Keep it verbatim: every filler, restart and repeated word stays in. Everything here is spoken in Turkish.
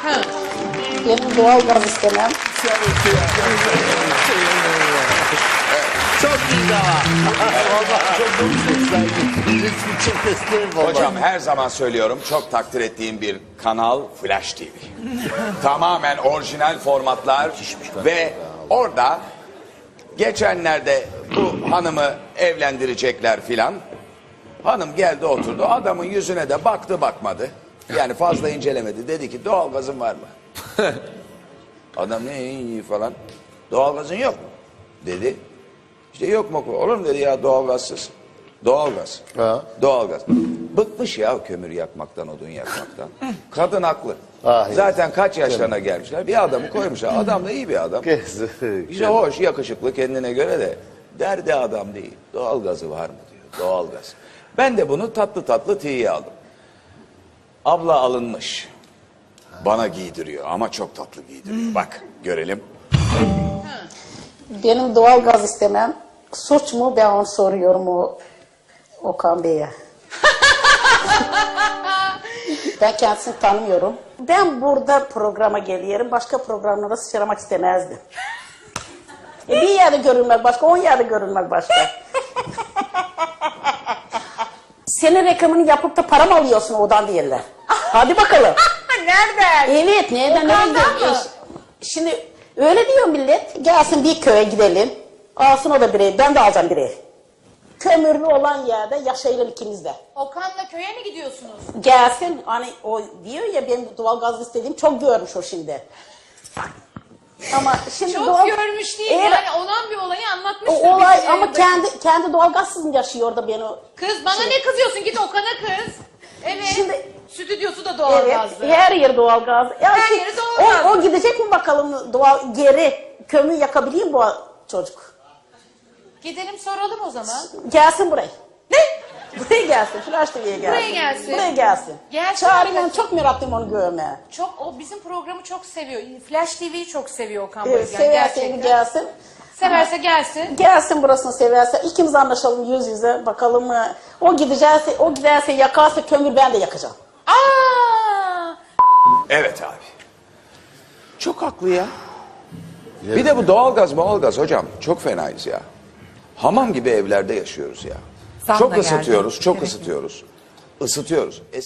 Ha. Benim doğal gaz istemem. Çok iyi daha. Vallahi çok konuşmuşlar. Hiçbir çok isterim vallahi. Hocam her zaman söylüyorum, çok takdir ettiğim bir kanal Flash T V. Tamamen orijinal formatlar ve orada geçenlerde bu hanımı evlendirecekler filan. Hanım geldi oturdu, adamın yüzüne de baktı bakmadı. Yani fazla incelemedi. Dedi ki doğalgazın var mı? Adam ne iyi falan. Doğalgazın yok mu? Dedi. İşte yok mu? Olur mu dedi ya doğalgazsız. Doğalgaz. Ha. Doğalgaz. Bıkmış ya kömür yakmaktan, odun yakmaktan. Kadın haklı. Ah, Zaten kaç yaşlarına gelmişler. Bir adamı koymuşlar. Adam da iyi bir adam. İşte hoş, yakışıklı kendine göre de. Derdi adam değil. Doğalgazı var mı diyor. Doğalgaz. Ben de bunu tatlı tatlı tiye aldım. Abla alınmış. Bana giydiriyor ama çok tatlı giydiriyor. Bak görelim. Benim doğal gaz istemem. Suç mu? Ben onu soruyorum o Okan Bey'e. Ben kendisini tanımıyorum. Ben burada programa geliyorum. Başka programlara sıçramak istemezdim. E bir yerde görünmek başka, on yerde görünmek başka. Senin reklamını yapıp da para mı alıyorsun odan diyorlar. Hadi bakalım. Nereden? Evet, nereden nereye Okan'dan gidiyor? mı? E, Şimdi öyle diyor millet. Gelsin bir köye gidelim. Alsın o da bir ev. Ben de alacağım bir ev. Kömürlü olan yerde yaşayalım ikimiz de. Okan'la köye mi gidiyorsunuz? Gelsin hani o diyor ya benim doğal gaz istediğim çok görmüş o şimdi. Ama şimdi Çok doğal... görmüş değil Evet. yani olan bir olayı anlatmıştır. O olay bize. ama kendi kendi doğal gazsız yaşıyor orada beni. Kız bana ne kızıyorsun git Okan'a kız. Evet. Şimdi- Stüdyosu da doğalgazlı. Evet, her yer doğal gaz. Ya Her ki- yeri doğalgaz. O, o gidecek mi bakalım doğal geri kömür yakabiliyor mu bu çocuk? Gidelim soralım o zaman. Gelsin buraya. Ne? Buraya gelsin. Flash T V'ye gelsin. Buraya gelsin. Buraya gelsin. Gelsin Çağırın arkadaşlar. onu, çok meraklıyım onu görmeye. Çok o bizim programı çok seviyor. Flash T V'yi çok seviyor Okan Evet, Bayülgen severse gerçekten. gelsin. Severse gelsin. Gelsin burasını severse. İkimiz anlaşalım yüz yüze. Bakalım mı? O gidecekse, o giderse yakarsa kömür ben de yakacağım. Aa! Evet abi. Çok haklı ya. Bir de bu doğalgaz doğalgaz hocam çok fenayız ya. Hamam gibi evlerde yaşıyoruz ya. Zam Çok da geldi. ısıtıyoruz, çok Gerekli. ısıtıyoruz. Isıtıyoruz.